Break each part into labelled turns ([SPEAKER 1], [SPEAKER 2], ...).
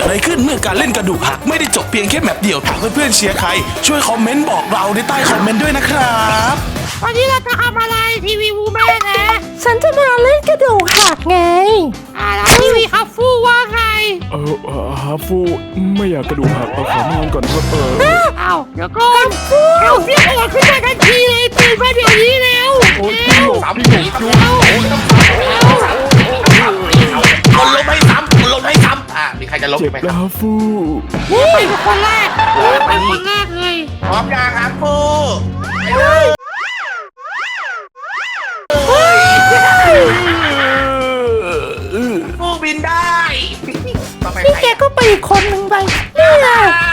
[SPEAKER 1] อะไรขึ้นเมื่อการเล่นกระดูกหักไม่ได้จบเพียงแค่แมปเดียวถ้าเพื่อนๆเชียร์ใครช่วยคอมเมนต์บอกเราในใต้คอมเมนต์ด้วยนะครับ
[SPEAKER 2] วันนี้เราจะทำอะไรทีวีวูแม่นะ
[SPEAKER 3] ฉันจะมาเล่นกระดูกหักไง
[SPEAKER 2] แล้วทีวีฮัฟฟูว่าไง
[SPEAKER 4] ฮาฟูไม่อยากกระดูกหักขอนอนก่อนครับ
[SPEAKER 2] เอาเดี๋ยวก่อนเอาเสียงหัวขึ้นมาทันทีเลยตื่นมาเดี๋ยวนี้แล้ว
[SPEAKER 1] คนล้มให้ซ้ำคนล้มให้ซ้ำมีใครจะล้มไหมครับ
[SPEAKER 4] ฮาฟู
[SPEAKER 2] นี่ไปเป็นคนแรกไปคนแรกเลย
[SPEAKER 1] พร้อมยังครับฟูฟูบินได้
[SPEAKER 3] นี่แกก็ไปอีกคนหนึ่งไปนี่ไง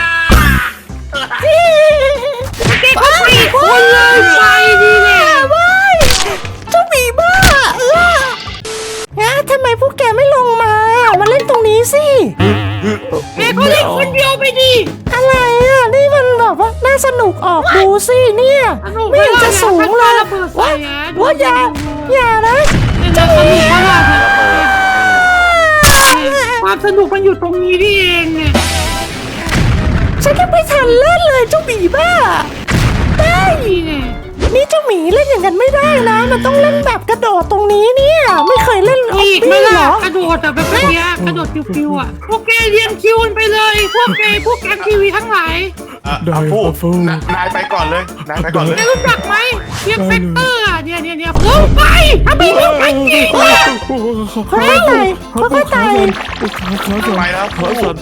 [SPEAKER 2] แกก็ไปอีกคนเลยไปดีเลย
[SPEAKER 3] ว้ายเจ้าหมีบ้าทำไมพวกแกไม่ลงมาเล่นตรงนี้สิ
[SPEAKER 2] แกก็เล่นคนเดียวไปดิ
[SPEAKER 3] อะไรนี่มันแบบว่าน่าสนุกออกดูสิเนี่ยไม่เห็นจะสูงเลยว่าอย่านะ
[SPEAKER 2] จะสนุกมากความสนุกมันอยู่ตรงนี้นี่เองเนี่ย
[SPEAKER 3] ฉันยังไม่ทันเล่นเลยเจ้าหมีบ้าได้นี่เจ้าหมีเล่นอย่างนั้นไม่ได้นะมันต้องเล่นแบบกระโดดตรงนี้เนี่ยไม่เคยเล่น
[SPEAKER 2] อีกไม่ล่ะกระโดดแบบนี้กระโดดคิวๆพวกแกเรียนคิวไปเลยพวกแกมทีวีทั้งหลาย
[SPEAKER 4] ได้ฟู
[SPEAKER 1] นายไปก่อนเลยนายไปก่อนเลย
[SPEAKER 2] รู้จักไหมเรียกเฟกเตอร์เนี่ยลงไปทำไมลงไปจริง
[SPEAKER 3] ค่อยๆไต่ค่อยๆไต่
[SPEAKER 1] ไปแล้ว
[SPEAKER 4] ขาสั่น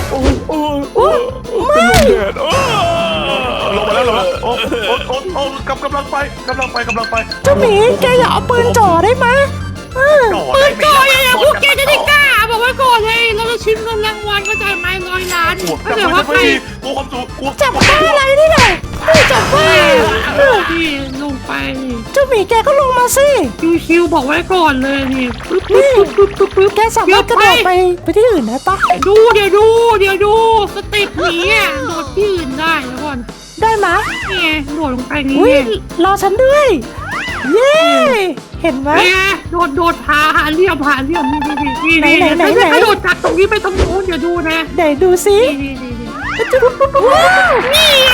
[SPEAKER 3] ไม่
[SPEAKER 1] ลงมาแล้วกำลังไป
[SPEAKER 3] เจ้าหมีแกอย่าเอาปืนจ่อได้ไหม
[SPEAKER 2] ปืนจ่ออย่าพวกแกจะได้กล้าบอกไว้ก่อนเลยเราจะชิมเงินรางวัลก็จะไม่100 ล้านก็แต่ว่าใคร
[SPEAKER 3] จับบ้าอะไรนี่ไหนจับบ้า
[SPEAKER 2] ที่ลงไป
[SPEAKER 3] เจ้าหมีแกก็ลงมาสิ
[SPEAKER 2] คิวบอกไว้ก่อนเลยนี่
[SPEAKER 3] แกสามารถกระโดดไปที่อื่นได้ปะ
[SPEAKER 2] เดี๋ยวดูสเต็ปนี้โดดที่อื่นได้แล้วก่อน
[SPEAKER 3] ได้ไหม
[SPEAKER 2] นี่โดดลงไปนี่
[SPEAKER 3] รอฉันด้วยเย้เห็นไหม
[SPEAKER 2] โดดหาเหลี่ยมนี่กระโดดจากตรงนี้ไปตรงนู้นเดี๋ยวดูนะ
[SPEAKER 3] ไหนดูสิ
[SPEAKER 2] นี่ไง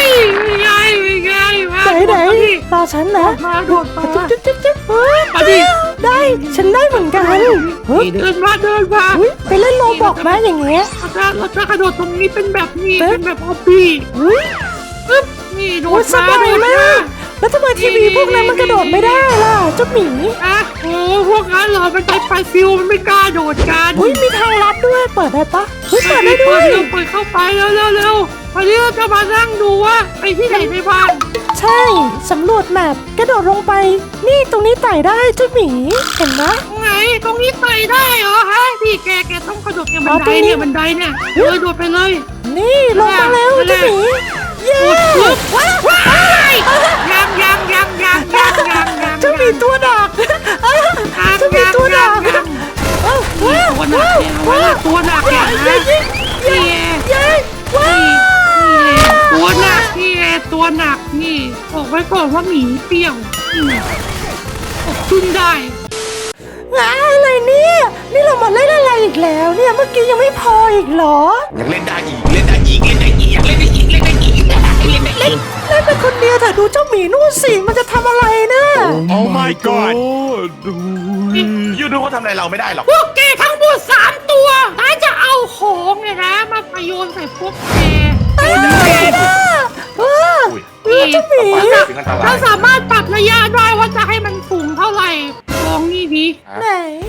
[SPEAKER 3] ไหนรอฉันนะ
[SPEAKER 2] มาโดดมา
[SPEAKER 3] ได้ฉันได้เหมือนกัน
[SPEAKER 2] เดินมา
[SPEAKER 3] ไปเล่นโลบอกนะอย่างเงี้ย
[SPEAKER 2] เราจะกระโดดตรงนี้เป็นแบบนี้เป็นแบบฮอบบี้นี่โดด
[SPEAKER 3] สบายมากแล้วทำไมทีวีพวกนั้นมันกระโดดไม่ได้ล่ะเจ้าหมี
[SPEAKER 2] โอ้พวกนั้นเหรอมันใช้ไฟฟิวมันไม่กล้าโดดกัน
[SPEAKER 3] มีทางลัดด้วยเปิดได้ปะเปิดได้ด้วย
[SPEAKER 2] เปิดเข้าไปเร็ววันนี้เราจะมานั่งดูว่าไปที่ไหนในบ้าน
[SPEAKER 3] ใช่สำรวจแมพกระโดดลงไปนี่ตรงนี้ไต่ได้เจ้าหมีเห็นไหม
[SPEAKER 2] ไงตรงนี้ไต่ได้เหรอฮะพี่แกต้องกระโดดบันไดเนี่ยเลยโดดไปเลย
[SPEAKER 3] นี่ลงมาแล้วเจ้าหมีเย้
[SPEAKER 2] ว้ายยัง
[SPEAKER 3] เจ้าหมีตัวดักเจ้าหมีตัวดัก
[SPEAKER 2] ตัวหนักอย่างนั้นตัวหนักนี่บอกไว้ก่อนว่าหมีเปรี้ยวขึ้นได้
[SPEAKER 3] อะไรเนี่ยนี่เรามาเล่นอะไรอีกแล้วเนี่ยเมื่อกี้ยังไม่พออีกเหรอ
[SPEAKER 1] ยังเล่นได้อีกอยากเล่นได้อีกเล่น
[SPEAKER 3] เป็นคนเดียวแต่ดูเจ้าหมีนู่นสิมันจะทำอะไรนะ
[SPEAKER 1] โอ้ my god ยูดูเขาทำอะไรเราไม่ได้หรอก
[SPEAKER 2] พวกแกทั้งหมด3 ตัวน่าจะเอาของเนี่ยนะมาประโยชน์ใส่พวกแกเราสามารถปรับระยะได้ว่าจะให้มันสูงเท่าไหร่ลองนี่ดิ
[SPEAKER 3] ไหน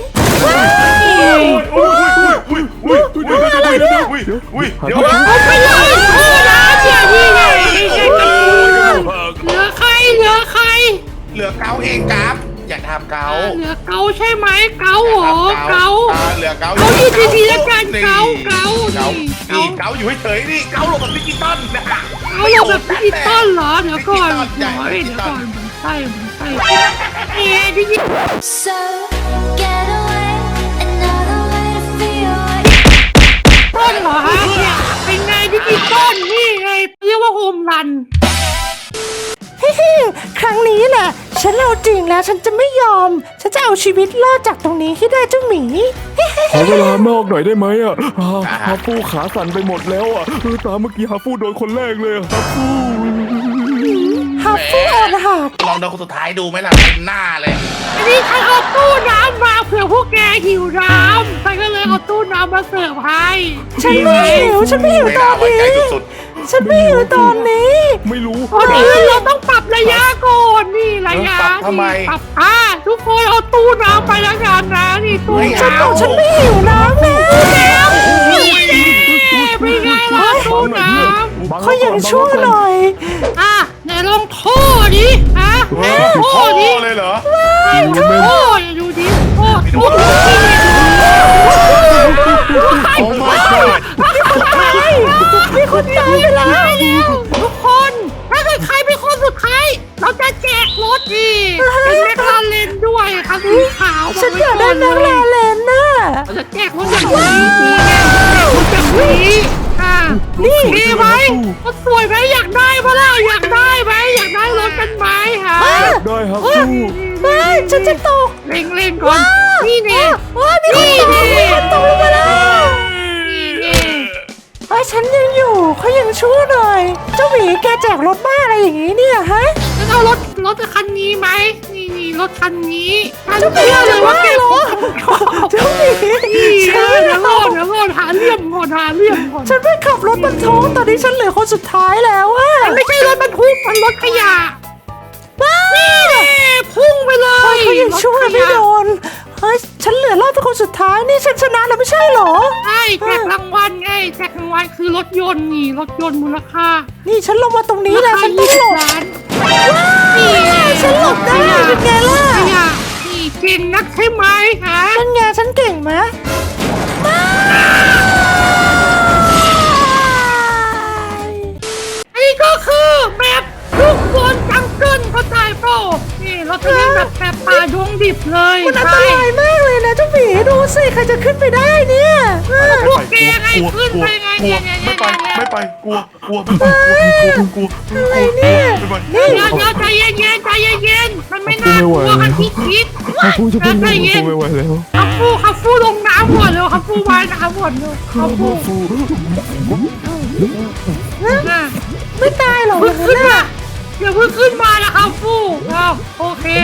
[SPEAKER 1] เดี๋ยว
[SPEAKER 2] เอาไปเลยนี่ไงเหลือใคร
[SPEAKER 1] เหลือเกาเองครับอยากทำเกา
[SPEAKER 2] เหลือเกาใช่ไหมเกาเหรอเกา
[SPEAKER 1] เหลือเกา
[SPEAKER 2] อยู่ดีๆแล้วกันเกา
[SPEAKER 1] อยู่เฉยนี่เกาลงแบบดิจิตอลนะ
[SPEAKER 2] เกาลงแบบดิจิตอลเหรอเดี๋ยวก่อนใช่ดิจิตอลต้นเหรอฮะเนี่ยเป็นไงดิจิตอลนี่ไงเรียกว่าโฮมรัน
[SPEAKER 3] ครั้งนี้แหละฉันเอาจริงแล้วฉันจะไม่ยอม ฉันจะเอาชีวิตรอดจากตรงนี้ให้ได้เจ้าหมี
[SPEAKER 4] ขอเวลานอกหน่อยได้ไหมอ่ะฮาฟูขาสั่นไปหมดแล้วอ่ะตามเมื่อกี้ฮาฟูโดนคนแรกเลยฮาฟู
[SPEAKER 3] ฮับฟูอ่อนหัก
[SPEAKER 5] ลองดูคนสุดท้ายดูไหมล่ะเต็มหน้าเลย
[SPEAKER 2] อันนี้ฉันเอาตู้น้ำมาเผื่อพวกแกหิวน้ำฉันก็เลยเอาตู้น้ำมาเสิร์ฟให้
[SPEAKER 3] ฉันไม่หิวฉันไม่หิว
[SPEAKER 5] ไม่
[SPEAKER 3] ตอ
[SPEAKER 5] น่าน ไว้ใจ
[SPEAKER 3] นี้
[SPEAKER 5] สุด
[SPEAKER 3] ฉันไม่หิวตอนนี้
[SPEAKER 4] ไม่รู้
[SPEAKER 2] ก่อนอื่นเราต้องปรับระยะก่อนนี่ระยะ
[SPEAKER 5] ปรับทำไม
[SPEAKER 2] นี่ปรับทุกคนเอาตู้น้ำไปแล้วกันนะนี่ตู้
[SPEAKER 3] ฉัน
[SPEAKER 2] น้ำ
[SPEAKER 3] บอกฉันไม่หิวน้ำแล้ว
[SPEAKER 2] ไม่ไงล่ะตู้น้ำ
[SPEAKER 3] เขายังชั่วหน่อย
[SPEAKER 2] ไหนลองโทษดิโท
[SPEAKER 5] พ่อ
[SPEAKER 2] ษดิ
[SPEAKER 5] เลยเหรอ
[SPEAKER 2] โทษดูดิโทษโทษ
[SPEAKER 5] โอ้ my god
[SPEAKER 3] มีคนตายไปแล้ว
[SPEAKER 2] ทุกคนถ้าเกิดใครเป็นคนสุดท้ายเราจะแจกรถดีเป็นแมคลาเรนด้วยคันสีขาว
[SPEAKER 3] ฉันอยากได้แมคลาเรนน่ะ
[SPEAKER 2] เราจะแจกรถอย่างนี้นี่ไงแจกรถอย่างนี้นี่ดีไหมรถสวยไหมอยากได้ปะล่ะอยากได้ไหมอยากได้รถกันไหมฮะ
[SPEAKER 4] ได้ฮาฟู
[SPEAKER 3] ไม่ฉันจะตก
[SPEAKER 2] เร่งก่อนนี่เนี่ย
[SPEAKER 3] ว้ามีคนตกลงมาแล้ว
[SPEAKER 2] นี่
[SPEAKER 3] ไอ้ฉันยังอยู่เขายังชั่วหน่อย เจ้าหมีแกแจกรถบ้าอะไรอย่างนี้เนี่ยฮะ
[SPEAKER 2] จะเอารถคันนี้ไหมนี่รถคันนี้ฉัน
[SPEAKER 3] เจ้าหมี
[SPEAKER 2] เชื่อเลยว่าแก
[SPEAKER 3] เหรอเจ้าหมี
[SPEAKER 2] เดี๋ยวก่อนหาเลี่ยมก่อน
[SPEAKER 3] ฉันไปขับรถบรรทุกตอนนี้ฉันเหลือคนสุดท้ายแล้วอะ
[SPEAKER 2] มันไม่ใช่รถบรรทุกมันรถขยะ
[SPEAKER 3] บ้า
[SPEAKER 2] พุ่งไปเลย
[SPEAKER 3] เขายังชั่วไม่โดนเฮ้ยฉันเหลือรอบเป็นคนสุดท้ายนี่ฉันชนะแล้วไม่ใช่เหรอ
[SPEAKER 2] ใช่แจกรางวัลไงแจกรางวัลคือรถยนต์นี่รถยนต์มูลค่า
[SPEAKER 3] นี่ฉันลงมาตรงนี้แล้วฉันต้องหลบ
[SPEAKER 2] ล้าน
[SPEAKER 3] นี่ฉันหลบได้เป็นไงล่ะ
[SPEAKER 2] ขยะนี่เก่งนักใช่ไหมฮะ
[SPEAKER 3] เป็นไงฉันเก่งไหมไม่
[SPEAKER 2] อันนี้ก็คือแบบลูกบอลจังเกิลเข้าใจเปล่านี่เราจะเล่นแบบป่าดวงดิบเลย
[SPEAKER 3] มันอันตรายมากเลยนะเจ้าหมีดูสิใครจะขึ้นไปได้เนี่ย
[SPEAKER 2] พวกแกไงขึ้นไปไงเนี่ย
[SPEAKER 5] ไม่ไปกลัวไม่ไปกลัว
[SPEAKER 3] อะไรเนี่ย
[SPEAKER 5] ไม่ไป
[SPEAKER 2] เดี๋ยวใจเย็นมันไม่น่ากลัวกันที่คิด
[SPEAKER 4] ฮาฟูจะเป็น
[SPEAKER 2] ใจ
[SPEAKER 4] ลม
[SPEAKER 2] เย็น
[SPEAKER 4] ไม่ไหวแล้ว
[SPEAKER 2] ขับฟูลงน้ำก่อนเร็วขับฟูว่ายน้ำก่อนเร็วขับฟู
[SPEAKER 4] ฮาฟู
[SPEAKER 3] ไม่ตายหรอก
[SPEAKER 2] เพิ่งขึ้นมาเดี๋ยวเพิ่งขึ้นมานะครับฟูโอเค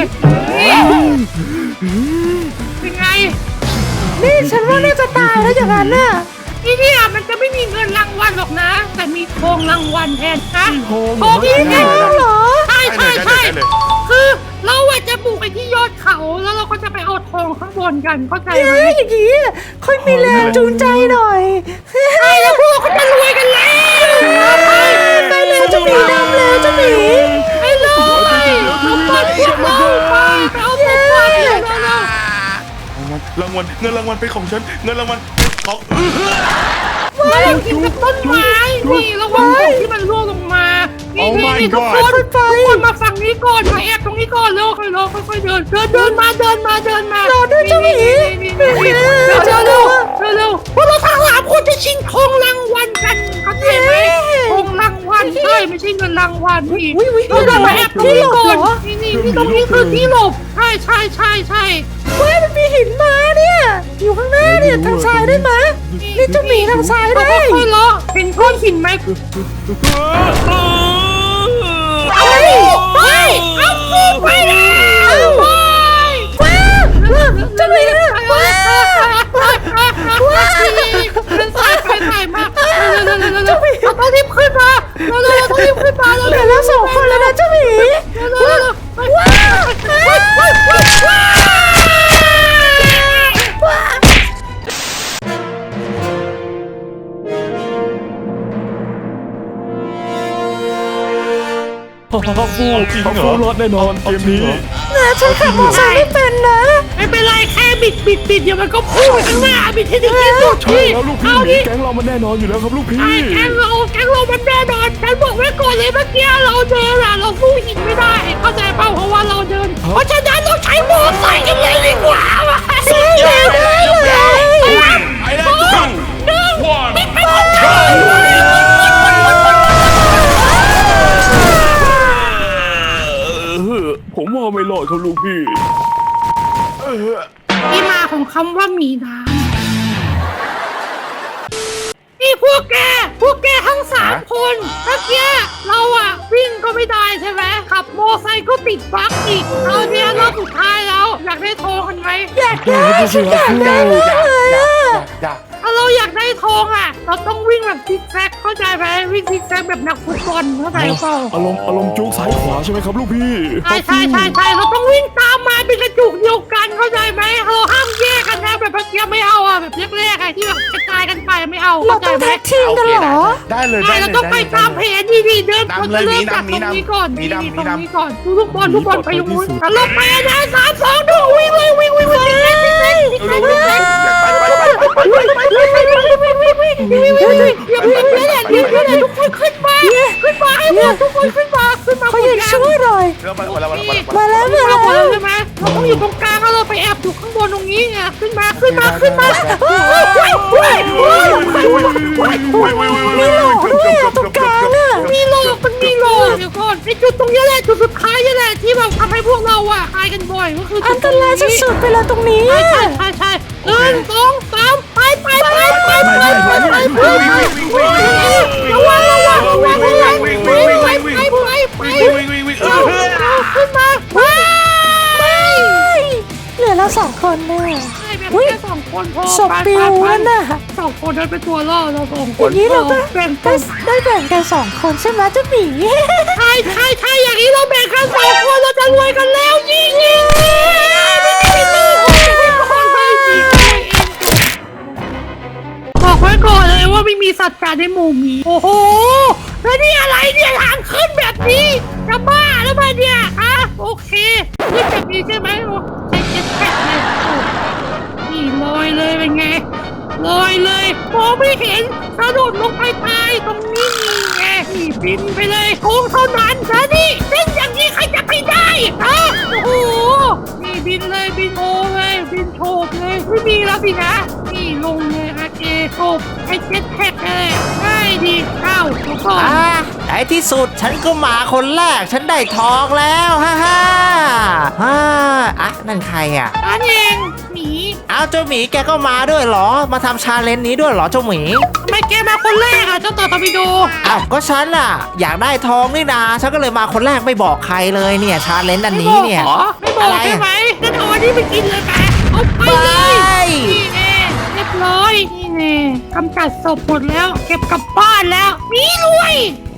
[SPEAKER 2] เป็นไง
[SPEAKER 3] นี่ฉันว่าน่าจะตายแล้วอย่างนั้นน่ะ
[SPEAKER 2] ที่นี่มันจะไม่มีเงินรางวัลหรอกนะ แต่มีทองรางวัลแทนนะ
[SPEAKER 4] ทอง
[SPEAKER 2] นี่ไง
[SPEAKER 3] เหรอ
[SPEAKER 2] ใช่คือเราจะบุกไปที่ยอดเขาแล้วเราก็จะไปเอาทองข้างบนกันเข้าใจไหม
[SPEAKER 3] อย่างนี้ค่อยมีแรงจูงใจหน่อย
[SPEAKER 2] ใช่แล้วพวกเขาจะรวยกันแล้วไป
[SPEAKER 3] เร็วเจ้าหมีดำเร็วเจ้าหมี
[SPEAKER 2] ไปเลยเอาไปพวกเราไปเอาไปเร็ว
[SPEAKER 5] รางวัลเงินรางวัลเป็นของฉันเงินรางวัลของ
[SPEAKER 2] มากินกับต้นไม้นี่ระวังของที่มันร่วงลงมานี่ทุกคนมาฝั่งนี้ก่อนมาแอบตรงนี้ก่อนเร็วค่อยๆเดินมาเดินมา
[SPEAKER 3] รอด้วยเจ้าหมี
[SPEAKER 2] เร็วพวกเราทั้ง3คนจะชิงทองรางวัลกันเข้าใจไหมทองรางวัลใช่ไม่ใช่เงินรางวัลนี่เรามาแอบตรงนี้ก่อนนี่ตรงนี้คือที่หลบใช่
[SPEAKER 3] เฮ้ยมันมีหินมาเนี่ย อยู่ข้างหน้าเนี่ยทางซ้ายได้ไหมนี่เจ้าหมีทางซ้าย
[SPEAKER 2] เรา
[SPEAKER 3] ได้
[SPEAKER 2] ค่อยๆเลาะเห็นก้อนหินไหมไปเอาฟูไปแล้วไป
[SPEAKER 3] ว้าวเจ้าหมีว้าวว้าว
[SPEAKER 2] ใส่มากเราต้องรีบขึ้นมาเราต้องรีบขึ้นมา
[SPEAKER 3] เหลือแล้ว2 คนแล้วนะเจ้าหมีว้าว
[SPEAKER 4] ฮาฟูรอดแน่นอนเกมนี้
[SPEAKER 3] นะฉันขับมอเตอร์ไซค์ไม่เป็นนะ
[SPEAKER 2] ไม่เป็นไรแค่บิดเดี๋ยวมันก็พุ่งไปข้างหน้าบิดให้ถึงที่สุด
[SPEAKER 4] ใช่แล้วลูกพี่
[SPEAKER 2] เอาดิ
[SPEAKER 4] แก๊งเรามันแน่นอนอยู่แล้วครับลูกพี่
[SPEAKER 2] แกงเรามันแน่นอนฉันบอกไว้ก่อนเลยเมื่อกี้เราเดินเราสู้หินไม่ได้เข้าใจเปล่าเพราะว่าเราเดินเพราะฉะนั้นเราใช้มอเตอร์ไซค์กันเลยดีกว่าใช่เลย
[SPEAKER 5] ไอ้นั่นตั้ง
[SPEAKER 4] ผมว่าไม่รอดครับลูก
[SPEAKER 2] ำว่ามีน้ำนี่พวกแกทั้ง3 คนเมื่อกี้เราอะวิ่งก็ไม่ได้ใช่ไหมขับมอไซค์ก็ติดบั๊กอีกเอาเนี่ยรอบสุดท้ายแล้วอยากได้ทองกันไหม
[SPEAKER 3] อยากได้ฉันอยากได้มากเลยอะ
[SPEAKER 2] ถ้าเราอยากได้ทองอะเราต้องวิ่งแบบซิกแซกเข้าใจไหมวิ่งซิกแซกแบบนักฟุตบอลเข้าใจเปล่า
[SPEAKER 4] อารมณ์จุกซ้ายขวาใช่ไหมครับลูกพี่
[SPEAKER 2] ใช่เราต้องวิ่งตามมาเป็นกระจุกเดียวกันเข้าใจไหมเราห้ามแยกกันนะแบบเมื่อกี้ไม่เอาอะแบบแรกๆอะที่แบบกระจายกันไปไม่เอา
[SPEAKER 3] เรา
[SPEAKER 2] เข้าใจ
[SPEAKER 3] ต้อง
[SPEAKER 2] ไหม
[SPEAKER 3] แท็กทีมกันเหรอ
[SPEAKER 5] ได้เลย
[SPEAKER 2] ใช่เราต้องไปตามแผนดีเดิน
[SPEAKER 5] นำเลย
[SPEAKER 2] เริ่ม
[SPEAKER 5] มี
[SPEAKER 2] จากตรง
[SPEAKER 5] นำ
[SPEAKER 2] นี้ก่อน
[SPEAKER 5] มีนำ
[SPEAKER 2] ตรง
[SPEAKER 5] มีนำ
[SPEAKER 2] นี้ก่อนทุกบอลไปอยู่นู้นแล้วเราไปนะ3 2 1วิ่งเลยวิ่งเดี๋ยวทุกคนขึ้นมาให้หมดทุกคนขึ้นมา
[SPEAKER 3] เขาอยากช่วยหน่อย
[SPEAKER 5] มาแล้ว
[SPEAKER 3] มาแล้ว
[SPEAKER 2] ใช่ไหมเราต้องอยู่ตรงกลางแล้วเราไปแอบอยู่ข้างบนตรงนี้ไงขึ้นมามีโลกมันมีโลกเดี๋ยวก่อนไอ้จุดตรงนี้แหละจุดสุดท้ายนี่แหละที่แบบทำให้พวกเราอะตายกันบ่อยก็คือ
[SPEAKER 3] อันตรายสุดๆไปแล้วตรงนี้
[SPEAKER 2] ใช่1 2 3ไประวังขึ้นมาไป
[SPEAKER 3] เหลือเรา2 คนน่ะ
[SPEAKER 2] แบบแค่2 คนพอ
[SPEAKER 3] ศพปิวนั่นน่ะ
[SPEAKER 2] 2 คนนั้นเป็นตัวล่อเรา2 ค
[SPEAKER 3] อน ย่างนี้เราก็
[SPEAKER 2] แบ่ง
[SPEAKER 3] ได้แบ่งกัน2 คนใช่ไหมเจ้าหมี
[SPEAKER 2] ใช่อย่างนี้เราแบ่งกัน2 คนเราจะรวยกันแล้วยิงบอกไว้ก่อนเลยว่าไม่มีสัตว์การในหมู่หมีโอ้โหแล้วนี่อะไรเนี่ยทางขึ้นแบบนี้จะบ้าแล้วมาเนี่ยอะโอเคขึ้นแบบนี้ใช่ไหมใช้เจ็ตแพ็คเลยนี่ลอยเลยเป็นไงลอยเลยมองไม่เห็นกระโดดลงไปตายตรงนี้ไงนี่บินไปเลยโค้งเท่านั้นนะนี่เล่นอย่างนี้ใครจะไปได้ฮะโอ้โหนี่บินเลยบินโอเลยบินโฉบเลยไม่มีแล้วสินะนี่ลงเลยโอเคโฉบไอ้เจ็ตแพ็คเลยง่ายดีเข้าทุกคน
[SPEAKER 6] ในที่สุดฉันก็มาคนแรกฉันได้ทองแล้วฮ่าอ่ะนั่นใครอ่ะ
[SPEAKER 2] อันเองหมี
[SPEAKER 6] เอาเจ้าหมีแกก็มาด้วยเหรอมาทำชาเลนจ์นี้ด้วยเหรอเจ้าหมี
[SPEAKER 2] ทำไมแกมาคนแรกอ่ะเจ้าต่อตอร์ปิโด
[SPEAKER 6] อ้าวก็ฉันอ่ะอยากได้ทองนี่นาฉันก็เลยมาคนแรกไม่บอกใครเลยเนี่ยชาเลนจ์อันนี้เนี่ย
[SPEAKER 2] ไม่บอกใช่ไหมงั้นเอาอันนี้ไปกินเลยไหมเอาไปเลยนี่แน่เรียบร้อยนี่แน่กำจัดศพหมดแล้วเก็บกลับบ้านแล้วมีรวย